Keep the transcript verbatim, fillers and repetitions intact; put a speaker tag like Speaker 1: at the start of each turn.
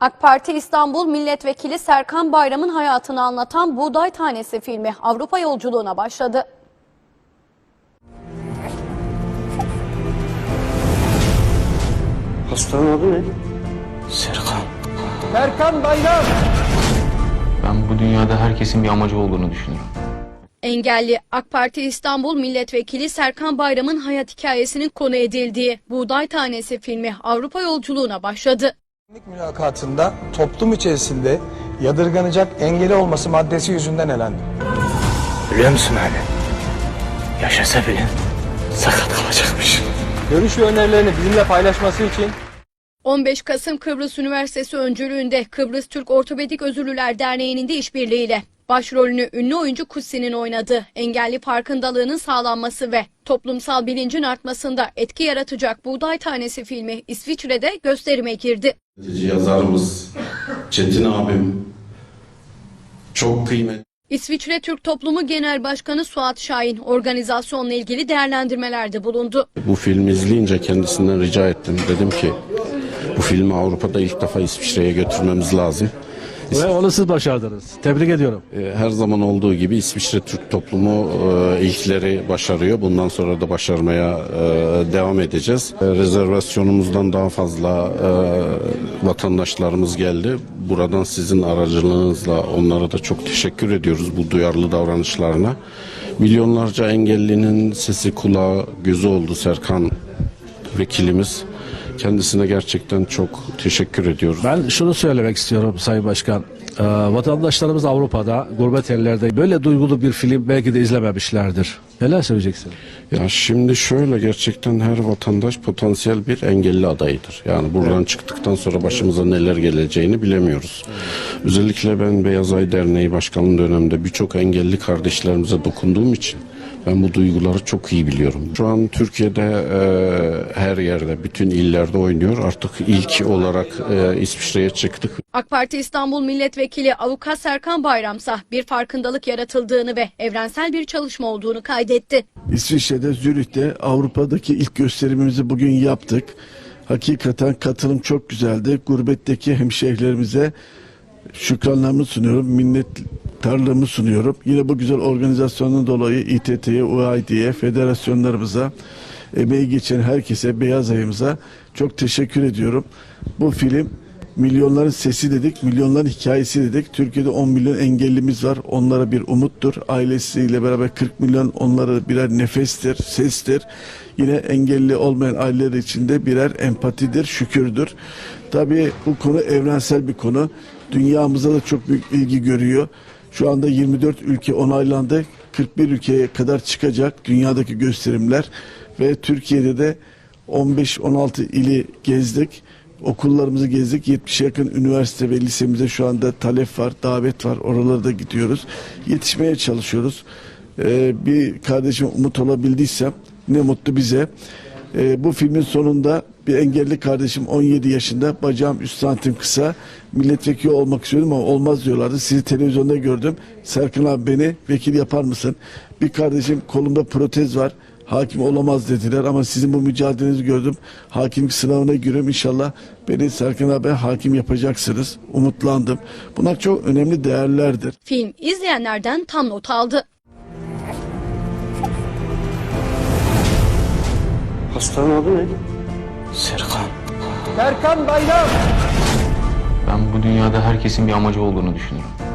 Speaker 1: AK Parti İstanbul Milletvekili Serkan Bayram'ın hayatını anlatan Buğday Tanesi filmi Avrupa yolculuğuna başladı.
Speaker 2: Hastanın adı ne? Serkan.
Speaker 3: Serkan Bayram.
Speaker 4: Ben bu dünyada herkesin bir amacı olduğunu düşünüyorum.
Speaker 1: Engelli AK Parti İstanbul Milletvekili Serkan Bayram'ın hayat hikayesinin konu edildiği Buğday Tanesi filmi Avrupa yolculuğuna başladı.
Speaker 3: Kimlik mülakatında toplum içerisinde yadırganacak engeli olması maddesi yüzünden elendi.
Speaker 2: Biliyor musun abi? Yaşasa bile sakat kalacakmış.
Speaker 3: Görüş ve önerilerini bizimle paylaşması için
Speaker 1: on beş Kasım Kıbrıs Üniversitesi öncülüğünde Kıbrıs Türk Ortopedik Özürlüler Derneği'nin de işbirliğiyle başrolünü ünlü oyuncu Kutsi'nin oynadığı engelli farkındalığının sağlanması ve toplumsal bilincin artmasında etki yaratacak Buğday Tanesi filmi İsviçre'de gösterime girdi.
Speaker 5: Yazarımız Çetin abim çok kıymetli.
Speaker 1: İsviçre Türk Toplumu Genel Başkanı Suat Şahin organizasyonla ilgili değerlendirmelerde bulundu.
Speaker 5: Bu filmi izleyince kendisinden rica ettim. Dedim ki bu filmi Avrupa'da ilk defa İsviçre'ye götürmemiz lazım.
Speaker 6: Ve onu siz başardınız. Tebrik ediyorum.
Speaker 5: Her zaman olduğu gibi İsviçre Türk toplumu ilkleri başarıyor. Bundan sonra da başarmaya devam edeceğiz. Rezervasyonumuzdan daha fazla vatandaşlarımız geldi. Buradan sizin aracılığınızla onlara da çok teşekkür ediyoruz bu duyarlı davranışlarına. Milyonlarca engellinin sesi, kulağı, gözü oldu Serkan vekilimiz. Kendisine gerçekten çok teşekkür ediyoruz.
Speaker 6: Ben şunu söylemek istiyorum Sayın Başkan. Ee, vatandaşlarımız Avrupa'da, gurbet ellerde böyle duygulu bir film belki de izlememişlerdir. Neler söyleyeceksin?
Speaker 5: Ya şimdi şöyle, gerçekten her vatandaş potansiyel bir engelli adayıdır. Yani buradan evet. çıktıktan sonra başımıza neler geleceğini bilemiyoruz. Evet. Özellikle ben Beyaz Ay Derneği Başkanlığı döneminde birçok engelli kardeşlerimize dokunduğum için ben bu duyguları çok iyi biliyorum. Şu an Türkiye'de e, her yerde, bütün illerde oynuyor. Artık ilk olarak e, İsviçre'ye çıktık.
Speaker 1: AK Parti İstanbul Milletvekili Avukat Serkan Bayramsa bir farkındalık yaratıldığını ve evrensel bir çalışma olduğunu kaydetti.
Speaker 7: İsviçre'de, Zürih'te Avrupa'daki ilk gösterimimizi bugün yaptık. Hakikaten katılım çok güzeldi. Gurbetteki hemşehrilerimize şükranlarımı sunuyorum, minnettarlığımı sunuyorum. Yine bu güzel organizasyonun dolayı İTT'ye, U A D'ye, federasyonlarımıza, emeği geçen herkese, Beyaz Ay'ımıza çok teşekkür ediyorum. Bu film milyonların sesi dedik, milyonların hikayesi dedik. Türkiye'de on milyon engellimiz var. Onlara bir umuttur. Ailesiyle beraber kırk milyon onlara birer nefestir, sestir. Yine engelli olmayan aileler için de birer empatidir, şükürdür. Tabii bu konu evrensel bir konu. Dünyamıza da çok büyük ilgi görüyor. Şu anda yirmi dört ülke onaylandı. kırk bir ülkeye kadar çıkacak dünyadaki gösterimler. Ve Türkiye'de de on beş on altı ili gezdik. Okullarımızı gezdik. yetmişe yakın üniversite ve lisemize şu anda talep var, davet var. Oralara da gidiyoruz. Yetişmeye çalışıyoruz. Ee, bir kardeşime umut olabildiysem ne mutlu bize. Ee, bu filmin sonunda bir engelli kardeşim on yedi yaşında, bacağım üç santim kısa, milletvekili olmak istiyordum ama olmaz diyorlardı. Sizi televizyonda gördüm. Serkan abi, beni vekil yapar mısın? Bir kardeşim kolumda protez var. Hakim olamaz dediler ama sizin bu mücadelenizi gördüm. Hakimlik sınavına giriyorum. İnşallah beni Serkan abi hakim yapacaksınız. Umutlandım. Bunlar çok önemli değerlerdir.
Speaker 1: Film izleyenlerden tam not aldı.
Speaker 2: Hastanın adı ne? Serkan.
Speaker 3: Serkan Bayram.
Speaker 4: Ben bu dünyada herkesin bir amacı olduğunu düşünüyorum.